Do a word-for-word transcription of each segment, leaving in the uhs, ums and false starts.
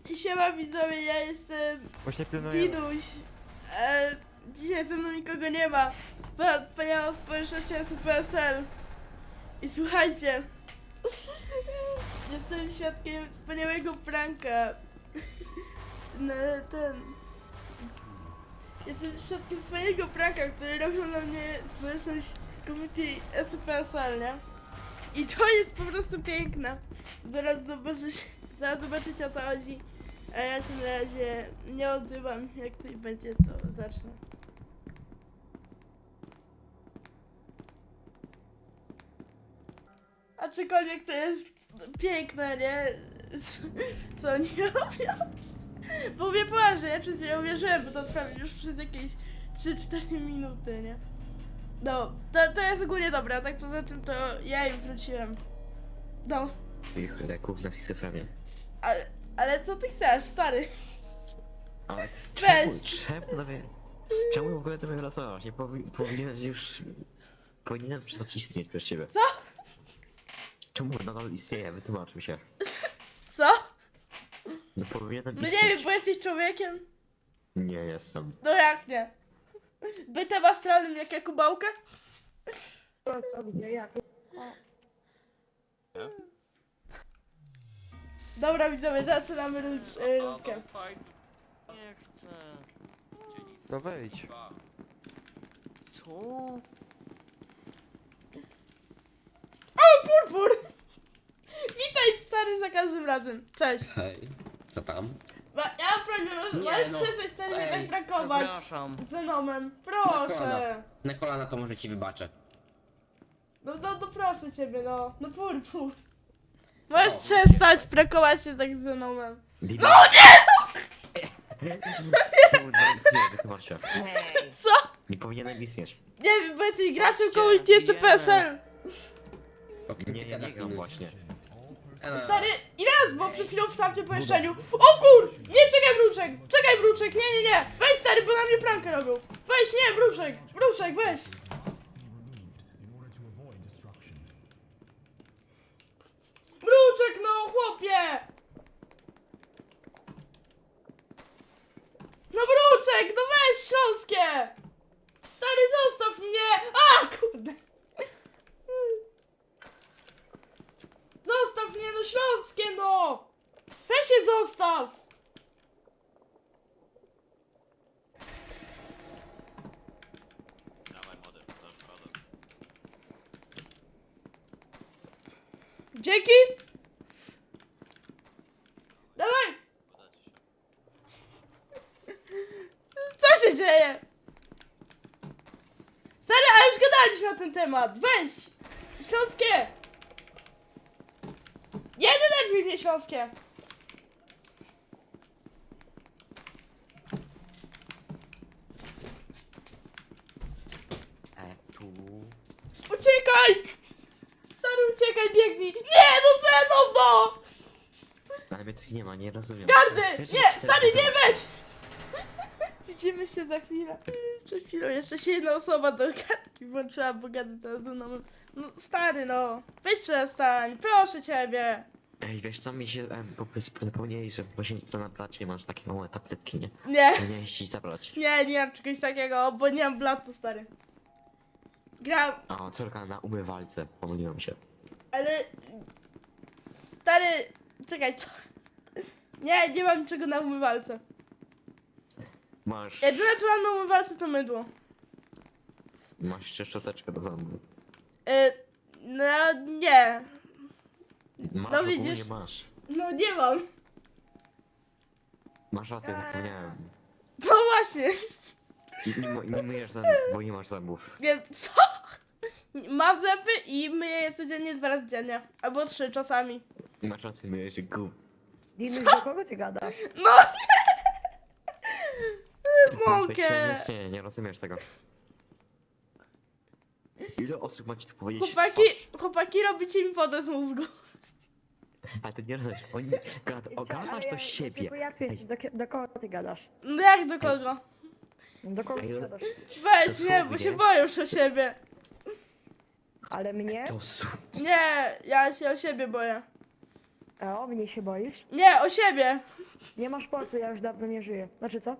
Siema widzowie, ja jestem Właśnie pilnuję. Dinuś. E, dzisiaj ze mną nikogo nie ma. Była wspaniała społeczność S U P S L. I słuchajcie, jestem świadkiem wspaniałego pranka. Na ten... Jestem świadkiem wspaniałego pranka, który robią na mnie społeczność community S U P S L, nie? I to jest po prostu piękne. Zaraz zobaczycie, zaraz zobaczycie o co chodzi. A ja się na razie nie odzywam. Jak coś będzie, to zacznę. Aczkolwiek to jest piękne, nie? Co oni robią? Bo mnie poważnie, ja przed chwilą uwierzyłem, bo to trwa już przez jakieś trzy cztery minuty, nie? No, to, to jest ogólnie dobre, a tak poza tym to ja im wróciłem. No, Ich leków na schizofrenię. ale, ale co ty chcesz, stary? Ale to jest Weź. czemu, czemu, no wie, czemu w ogóle do mnie rozmawiasz? Nie powi powinieneś już... Powinienem przestać istnieć przez ciebie. Co? Czemu nadal istnieje? Wytłumacz mi się. Co? No powinienem No istnieć. nie wiem, bo jesteś człowiekiem? Nie jestem. No jak nie? Bytem astralnym jak Jakubałkę? Dobra widzowie, zaczynamy rund- y, rundkę. Nie chcę. To wejdź. Co? O, purpur! Witaj stary za każdym razem. Cześć. Hej, co tam? Ma, ja mam prośbę, możesz Nie, możesz no. przestać stary mnie Ej, tak prankować. Przepraszam. Zenomem, Na proszę. kolana. Na kolana to może ci wybaczę. No, no, no proszę ciebie, no. No purpur. Możesz Co? przestać prankować się tak z Zenomem. No nie! Czemu nadal istnieje? Wytłumacz się. Co? Nie powinienem istnieć. Nie wiem, bo jesteś graczem Patrzcie, community S U P S L. O kim Nie, ty ja gadasz, nie gram ty? właśnie. A, Stary, ile raz było przed chwilą w tamtym pomieszczeniu? O kur! Nie, czekaj Bruczek! Czekaj Bruczek, nie, nie, nie! Weź stary, bo na mnie prankę robią! Weź, nie, Bruczek! Bruczek, weź! Bruczek, no chłopie! No Bruczek, no weź śląskie! Stary, zostaw mnie! A, kurde! Zostaw mnie, no śląskie, no! Weź się zostaw! Dzięki! Dawaj! Co się dzieje? Stary, a już gadaliśmy na ten temat, weź! Śląskie! Nie denerwuj mnie, śląskie! E, tu... Uciekaj! Stary, uciekaj, biegnij! Nie, no ze mną, no! Ale mnie tu nie ma, nie rozumiem. Gardy! Wiesz, Nie, że stary, nie cztery- weź! Widzimy się za chwilę. Przed chwilą jeszcze się jedna osoba do gadki włączyła, bo gady teraz ze mną. No stary, no. Weź przestań, proszę ciebie. Ej, wiesz co, mi się em, po prostu zapomnieli, że w łazience na placie masz takie małe tabletki, nie? Nie, Powinieneś ci zabrać. nie, nie mam czegoś takiego, bo nie mam blatu, stary. Gram, O, córka na umywalce, pomyliłem się. ale... Stary, czekaj, co? Nie, nie mam niczego na umywalce. Masz... Jedyne co mam na umywalce to mydło. Masz jeszcze szczoteczkę do zębów. Y, no nie. Masz, No ogólnie widzisz. masz. No nie mam. Masz rację, zapomniałem. No właśnie. I nie, mo- nie myjesz zębów, bo nie masz zębów. Nie, co? Mam zęby i myję je codziennie dwa razy dziennie. Albo trzy czasami. Masz rację, myjesz gub. Dinuś, do kogo ty gadasz? No nie! Mąkę! Nie, nie rozumiesz tego. Ile osób ma ci tu powiedzieć? Chłopaki, Twarz? chłopaki robicie mi wodę z mózgu. Ale ty nie rozumiesz, oni gad, ogadasz do siebie. Tylko jak ty, do, do kogo ty gadasz? No jak do kogo? Do kogo Ej, ty gadasz? Weź, to nie, bo słownie. się boję już o siebie. Ale mnie? To su... Nie, ja się o siebie boję. A o mnie się boisz? Nie, o siebie. Nie masz po co, ja już dawno nie żyję. Znaczy co?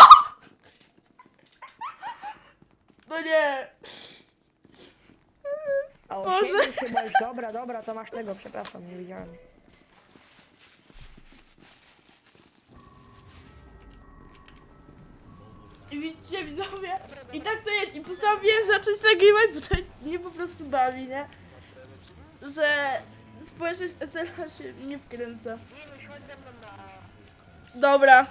No nie. A o Boże. siebie się boisz. Dobra, dobra, to masz tego, przepraszam, nie widziałem. I widzicie, widzowie, i tak to jest. I postanowiłem zacząć nagrywać, bo to mnie po prostu bawi, nie? Że społeczność S L A się nie wkręca. Dobra.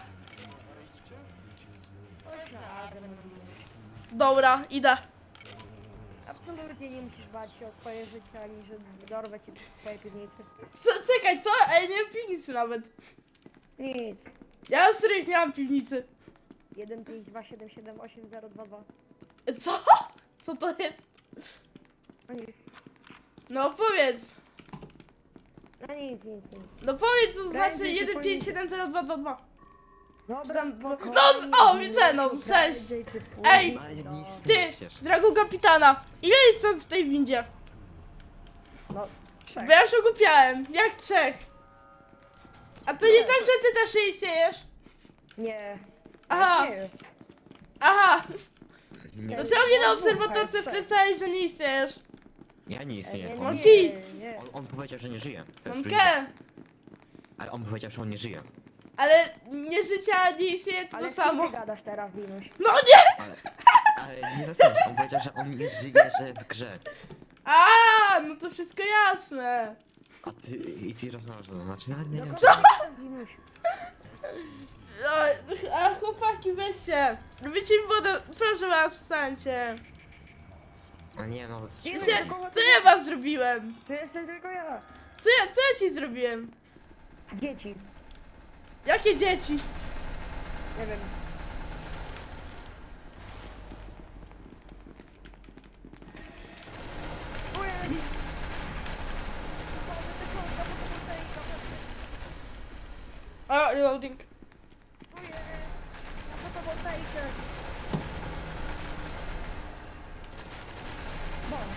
Dobra, idę. Absolutnie nie musisz bać się o twoje życie, ani że dorwę ci w twojej piwnicy. Co, czekaj, co? Ej, nie mam piwnicy nawet. Nic. Ja na serio nie mam piwnicy. jeden pięć dwa siedem siedem osiem zero dwa dwa. Co? Co to jest? No nic. No powiedz. No nic, nic, nic. No powiedz, co znaczy Prędzej czy jeden pięć później. siedem zero dwa dwa dwa. Dobra, Tam- spokojnie. no, o, widzę, no, cześć. Prędzej czy później, Ej, Ale nic no. nie Ty, przecież. drogo kapitana, ile jest stąd w tej windzie? No, trzech. Bo ja już ogłupiałem, jak trzech. A to nie tak, że ty też nie istniejesz? Nie. Aha. Nie. Aha, Nie, to czemu mnie na No, obserwatorce trzech. wkręcałeś, że nie istniejesz? ja nie istnieję. Nie, On, nie, nie, Monty. nie. on, on powiedział, że nie żyje. To jest Mamkę, różnica. Ale on powiedział, że on nie żyje. ale nie życia, nie istnieje to Ale to z kim samo. ty gadasz teraz, Dinuś? No nie! Ale, ale nie rozumiesz, on powiedział, że on nie żyje, że w grze. A, no to wszystko jasne. A ty, i ty rozmawiasz ze mną, znaczy nawet nie Do wiem. kogo gadasz, Dinuś? No, a chłopaki, weźcie. Wycie mi wodę, proszę was, wstańcie. A nie, no... Nie, Wiecie, do kogo co ty ja gadasz? wam zrobiłem? To jestem tylko ja. Co ja, co ja ci zrobiłem? Dzieci. Jakie dzieci? Nie wiem. Ojej. O, reloading. Na fotowoltaikę. Boż.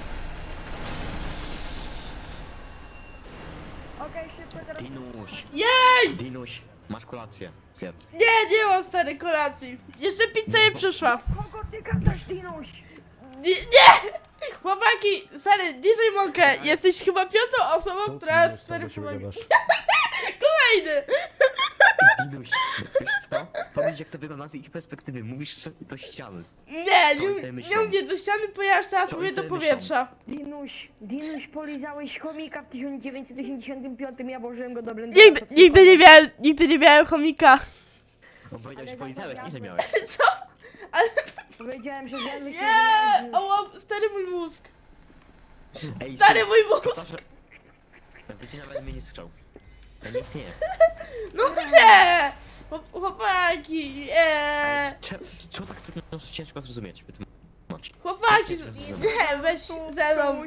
Okej, szybko teraz. Dinuś, Jej! Dinuś, masz kolację, zjedz. Nie, nie mam stary kolacji. Jeszcze pizza nie przyszła. Kogo ty gadasz, Dinuś? Nie, nie! Chłopaki, stary, D J Monkę, jesteś chyba piątą osobą, która stary przypomina. Kolejny! Dinuś, wiesz co? Powiedz jak to wygląda z ich perspektywy, mówisz że do ściany. Nie, Co oni nie, sobie nie myślą? mówię do ściany, ponieważ teraz Co mówię oni do sobie powietrza. Dinuś, Dinuś, polizałeś chomika w tysiąc dziewięćset osiemdziesiątym piątym, ja włożyłem go do blendera. Nigdy, to nigdy nie tylko- miałem, nigdy nie miałem chomika. On powiedział, że Ale polizałeś, nie że zamawiamy. miałeś. Co? Powiedziałem, że zjadłeś Nie! Oła, stary mój mózg. Ej, Stary mój mózg! Katarze... Jakby ci nawet mnie nie słyszał. Ja nie istnieję. No nie! Chłop- Chłopaki, Ale nie! cze- Czemu tak trudno ciężko zrozumieć? Wytłumacz. Chłopaki, Ciężko zrozumieć. nie, weź ze mną.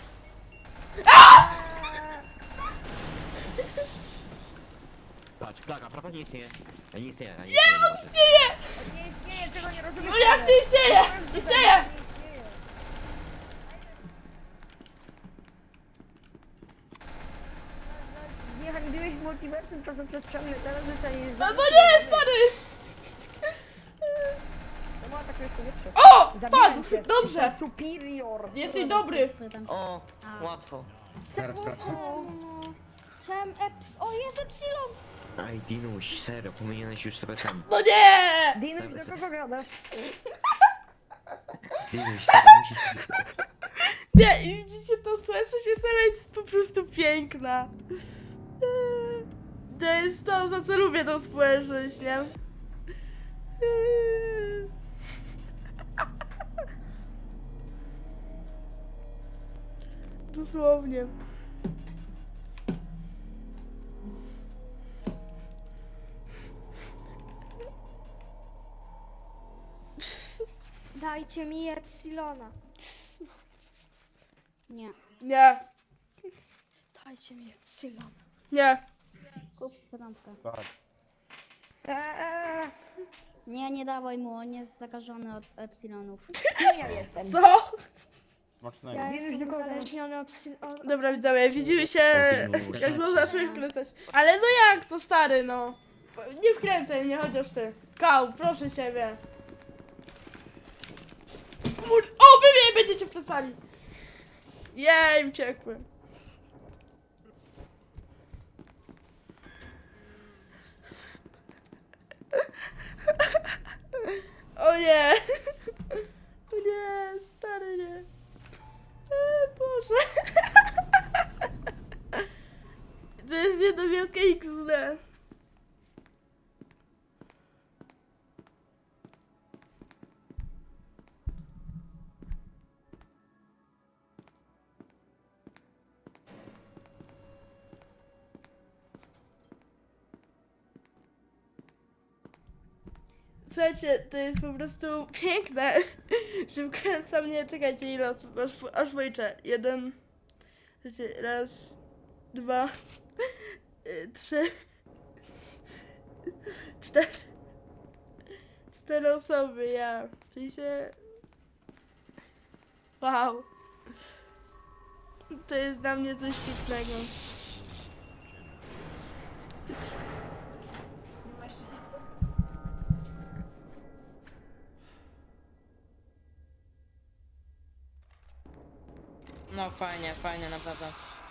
Patrz, plaga, prawda nie istnieje? Ja nie istnieję, ja nie Nie, istnieję. on istnieje! Nie istnieje, tego nie rozumiesz. No jak nie istnieje? Istnieje! Nie handliłeś w multiversum czasoprzestrzenne, teraz zostaniesz... No, no nie, stary! To była taka powietrze. O! Zabiłem Padł! cię. Dobrze! Jestem superior. Jesteś dobry! O, łatwo. Zaraz wracam. Chciałem eps... O, jest epsilon! Ej, Dinuś, serio, powinieneś już sobie tam. No nie! Dinuś, do kogo gadasz? Dinuś, serio, musisz... Nie, i widzicie, to społeczność jest, ale jest po prostu piękna. Eee, To jest to, za co lubię tą społeczność, nie? Eee. Dosłownie. Dajcie mi epsilona. Nie. Nie, Dajcie mi epsilon. nie. Kup stronkę. Eee, Nie, nie dawaj mu, on jest zakażony od epsilonów. ja jestem. Co? Smacznego. Ja Wiesz, jestem do kogo? uzależniony od epsilona. Dobra, widzowie, widzimy się, O, jak to zaczniesz kręcać. Ale no jak to, stary, no? Nie wkręcaj mnie, chociaż ty. Kał, proszę ciebie. Kur... O, wy mnie będziecie wkręcali. Jej, uciekłem. O nie. O nie, stary nie. E, Boże. To jest jedno wielkie X D. Słuchajcie, to jest po prostu piękne, że wkręca mnie, czekajcie ile osób, aż, aż policzę. Jeden, słuchajcie, raz, dwa, y, trzy, cztery, cztery osoby, ja, w sensie, wow, to jest dla mnie coś pięknego. No fajnie, fajnie, naprawdę.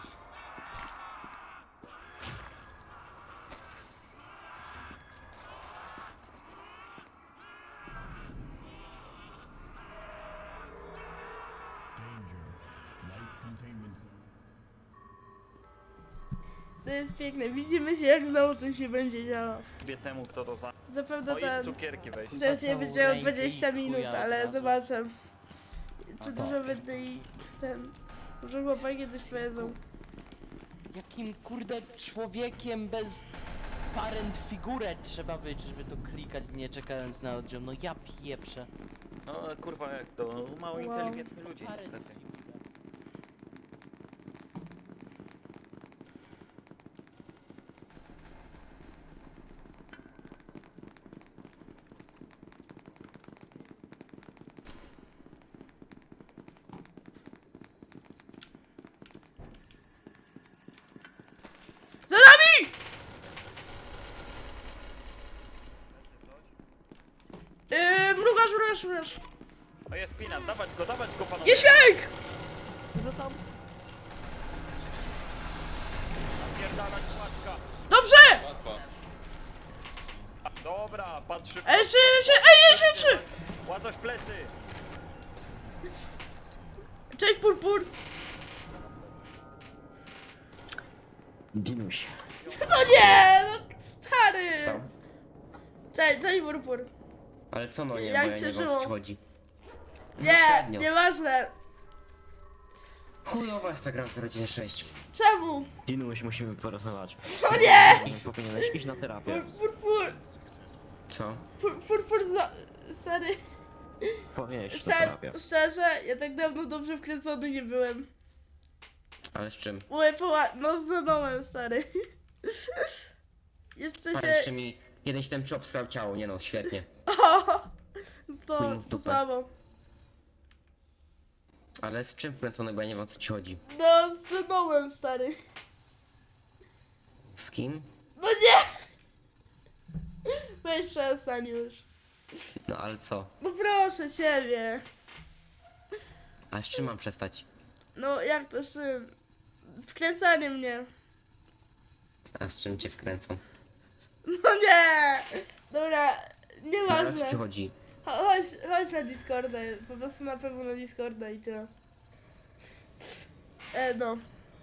To jest piękne, widzimy się jak znowu coś się będzie działo. Wie temu, kto to za... Zapewne O i ten... cukierki weź. Pewnie będzie miał ręki dwadzieścia i minut, chuja od ale razu. zobaczę. Czy A dużo tak. będę i ten... Może chłopaki coś powiedzą. Jakim kurde człowiekiem bez parent figurę trzeba być, żeby to klikać nie czekając na oddział. No ja pieprzę. No kurwa jak to, no, mało Wow. inteligentni ludzie Parent niestety. figurę. Za nami! Yy, mrugasz, mrugasz, mrugasz. O jest Pinat, dawać go, dawać go panowie. Jeświek! Napierdalać paczka. Dobrze! Dobra, patrzy. Ej, jeszcze, jeszcze, ej, jeszcze, jeszcze! Ładność plecy. Cześć, purpur! Dinuś. No nie, no stary! Co? Cześć, cześć, purpur. Ale co no nie, Jak bo ja się nie wiem o co żyło? ci chodzi. Nie, średnio. nieważne. Chujowa jest ta gra zero dziewięć sześć. Czemu? Dinuś, musimy porozmawiać. No nie! Powinieneś iść na terapię. Pur, purpur, Co? pur, purpur, za, stary. Powinieneś na Szczer, terapię. szczerze, ja tak dawno dobrze wkręcony nie byłem. Ale z czym? Mówię poła... no z Zonomem, stary. Jeszcze Pan się... jeszcze mi jeden się ten czop strał ciało, nie no, świetnie. O, Chuj to, mu w to dupę. samo. Ale z czym wkręcony, bo ja nie wiem o co ci chodzi. No z Zonomem, stary. Z kim? No nie! Weź przestań już. No ale co? No proszę ciebie. A z czym mam przestać? No jak to z czym? Wkręcanie mnie. A z czym cię wkręcą? No nie! Dobra, No, o nieważne. co ci chodzi? Cho- Chodź, chodź na Discorda, po prostu na pewno na Discorda i tyle. E, no.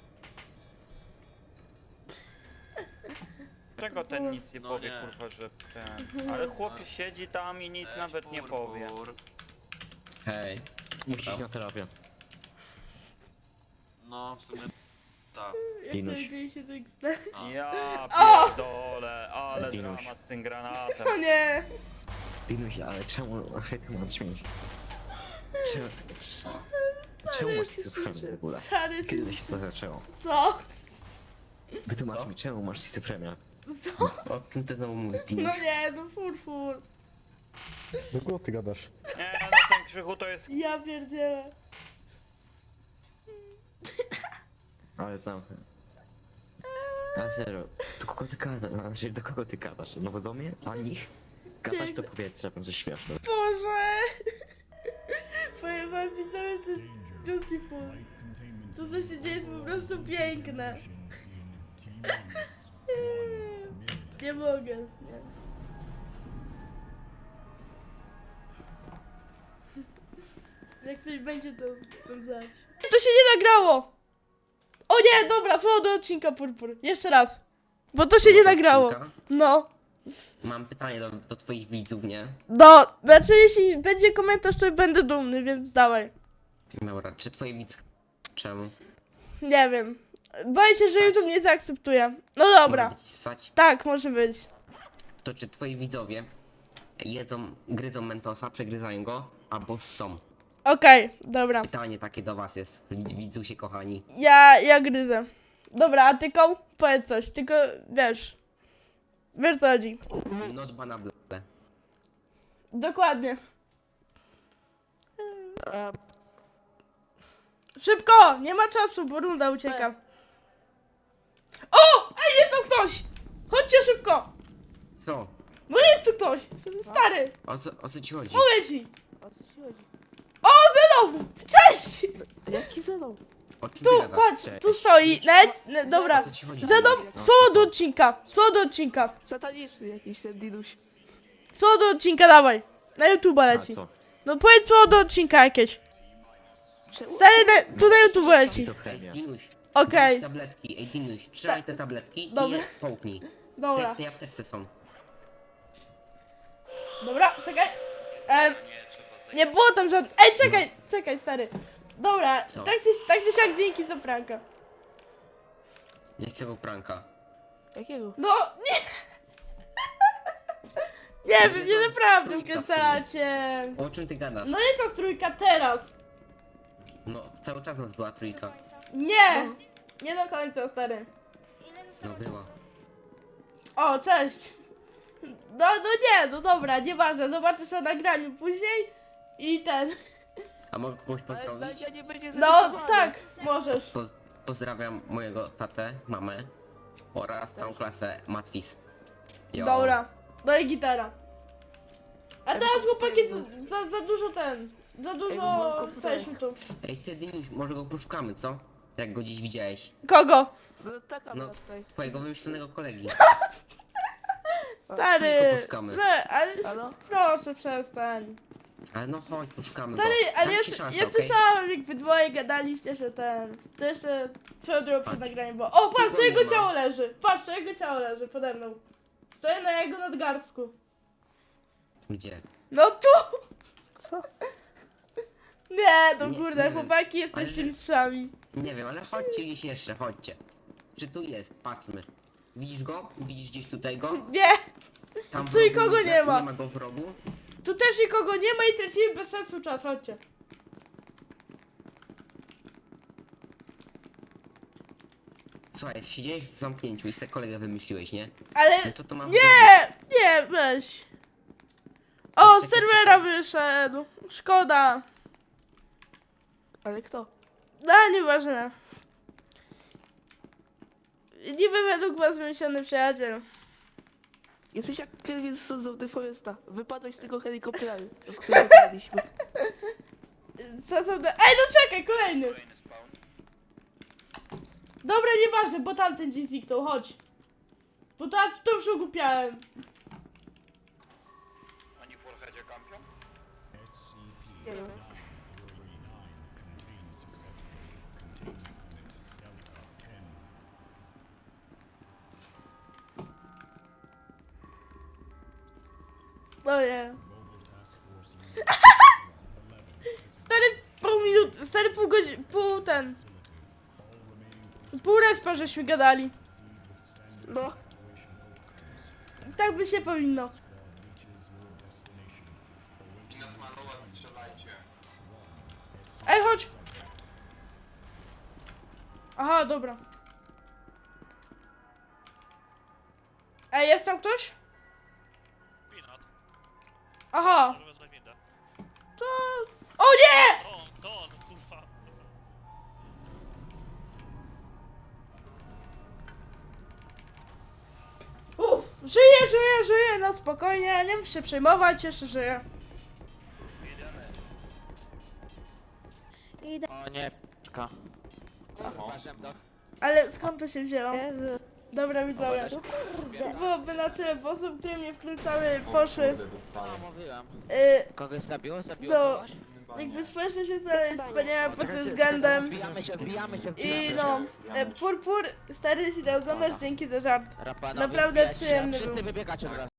Czego ten nic nie powie, kurwa, że ten... Ale chłop siedzi tam i nic nawet nie powie. Hej. Musisz iść na terapię. No, w sumie tak. Jak Dinuś. to dzieje się tak Ja O! pierdolę, ale Dinuś. dramat z tym granatem. O nie! Dinuś, ale czemu ty masz śmieć? Czemu, czemu masz schizofrenię w ogóle? Stary, Kiedy to się to zaczęło? co? Wytłumacz Co? mi, czemu masz schizofrenię? Co? O czym ty znowu mówisz, No Dinuś? nie, no fur, fur. Do kogo ty gadasz? Nie, no ten Krzychu to jest... Ja pierdzielę. Ale znam. Eee, A serio, do kogo ty gadasz? Znaczy, do kogo ty gadasz? No bo do mnie? A nich? Gadasz to powietrze, będzie śmieszne. Boże! Powiem wam widzowie, że to jest beautiful. To co się dzieje jest po prostu piękne. Nie mogę. Nie. Jak ktoś będzie, to, to znać. To się nie nagrało! O nie, dobra, słowo do odcinka purpur. Jeszcze raz. Bo to się nie nagrało. Odcinka? No. Mam pytanie do, do twoich widzów, nie? No, znaczy jeśli będzie komentarz, to będę dumny, więc dawaj. Dobra, czy twoi widz... Czemu? Nie wiem. Boję się, że Ssać. YouTube nie zaakceptuje. No Może dobra. być ssać? Tak, może być. To czy twoi widzowie jedzą, gryzą mentosa, przegryzają go, albo ssą? Okej, dobra. Pytanie takie do was jest, wid- widzusie kochani. Ja, ja gryzę. Dobra, a ty koł? Powiedz coś, tylko wiesz. Wiesz co chodzi. Not banable. Dokładnie. Szybko! Nie ma czasu, bo runda ucieka. O! Ej, jest tu ktoś! Chodźcie szybko! Co? No jest tu ktoś! Stary! O co, o co ci chodzi? Mówię ci! O, Zenon! Cześć! Jaki Zenon? O czym Tu, ty gadasz? patrz, tu stoi. Nawet, ne, dobra. O co ci chodzi? Zenon, No, słowo do co? odcinka. Słowo do odcinka. Sataniczny jakiś ten dinuś. Słowo do odcinka, dawaj. Na YouTube A leci. co? No powiedz słowo do odcinka jakieś. Stary, na, tu na YouTube leci. Ej, Schizofrenia. Dinuś, Okej, weź tabletki, ej Dinuś, trzymaj te tabletki Dobra. i je połknij. Te dobra. w tej apteczce są. Dobra, czekaj. E, nie było tam żadnych. Ej, czekaj, czekaj, stary. Dobra, Co? tak czy, tak czy siak dzięki za pranka. Jakiego pranka? Jakiego? No, nie. Nie wiem, nie naprawdę Trójka w wkręcacie. O czym ty gadasz? No jest nas trójka teraz. No, cały czas nas była trójka. Nie, nie do końca, stary. No była. O, cześć. No, no nie, no dobra, nieważne, zobaczysz na nagraniu później i ten. A mogę kogoś pozdrowić? Ja nie będzie No, tak, możesz. Poz pozdrawiam mojego tatę, mamę oraz całą klasę Matwis. Jo. Dobra, no i gitara. A teraz chłopaki za, za, za dużo ten, za dużo staliśmy tu. Ej ty Dinuś, może go poszukamy, co? Jak go dziś widziałeś. Kogo? No taka No, była tutaj. twojego wymyślonego kolegi. Stary, Chodź go poszukamy. we, ale Halo? proszę przestań. Ale no chodź, poszukamy Stary, go. ale Dam ja, ci szansę, ja okej? słyszałam jak wy dwoje gadaliście, że ten, to jeszcze swoją drogą przed nagraniem było. O, patrz, co Nikogo jego nie ma. ciało leży, patrz, co jego ciało leży pode mną. Stoję na jego nadgarstku. Gdzie? No tu! Co? Nie, no Nie- kurde, nie wiem. chłopaki jesteście Ale- mistrzami. Nie wiem, ale chodźcie gdzieś jeszcze, chodźcie. Czy tu jest? Patrzmy. Widzisz go? Widzisz gdzieś tutaj go? Nie, Tam w Tu rogu nikogo nie ma. Nie ma go w rogu? tu też nikogo nie ma i tracimy bez sensu czas, chodźcie. Słuchaj, siedziałeś w zamknięciu i sobie kolegę wymyśliłeś, nie? Ale No co to mam nie, nie, weź. O, z Czekaj, serwera czekaj. wyszedł, szkoda. Ale kto? No, nieważne. Niby według was wymyślony przyjaciel. Jesteś jak Kelvin z Sons of the Foresta. Wypadłeś z tego helikoptera, w którym wypadliśmy. Co są te... Ej, no czekaj, kolejny. Dobra, nieważne, bo tamten dzień zniknął, chodź. Bo teraz to już ogłupiałem. Oni w Warheadzie kampią? Nie wiem. No nie. Stary pół minut, stary pół godziny, pół ten. Pół respa żeśmy gadali. No, Tak by się powinno. Ej, chodź! Aha, dobra. Ej, jest tam ktoś? Pinat, Aha, może wezwać windę. to... O nie! To on, to on, kurwa. Żyję, żyję, żyję, no spokojnie, nie musisz się przejmować, jeszcze żyję. Idę. O nie, czka. Uważam, do... Ale skąd to się wzięło? Jezu. Dobra widzowie, to byłoby na tyle, bo osób, które mnie wkręcały, poszły. No, mówiłem. Y, Kogoś zabiło? Zabiło No. kogoś? jakby społeczność jest wspaniała pod tym względem. Wbijamy się, wbijamy się, I wbijamy się. no, e, Purpur, stary, jeśli to oglądasz, dzięki za żart. Rapanowi Naprawdę wbijać się, przyjemny Wszyscy był. wybiegacie od razu.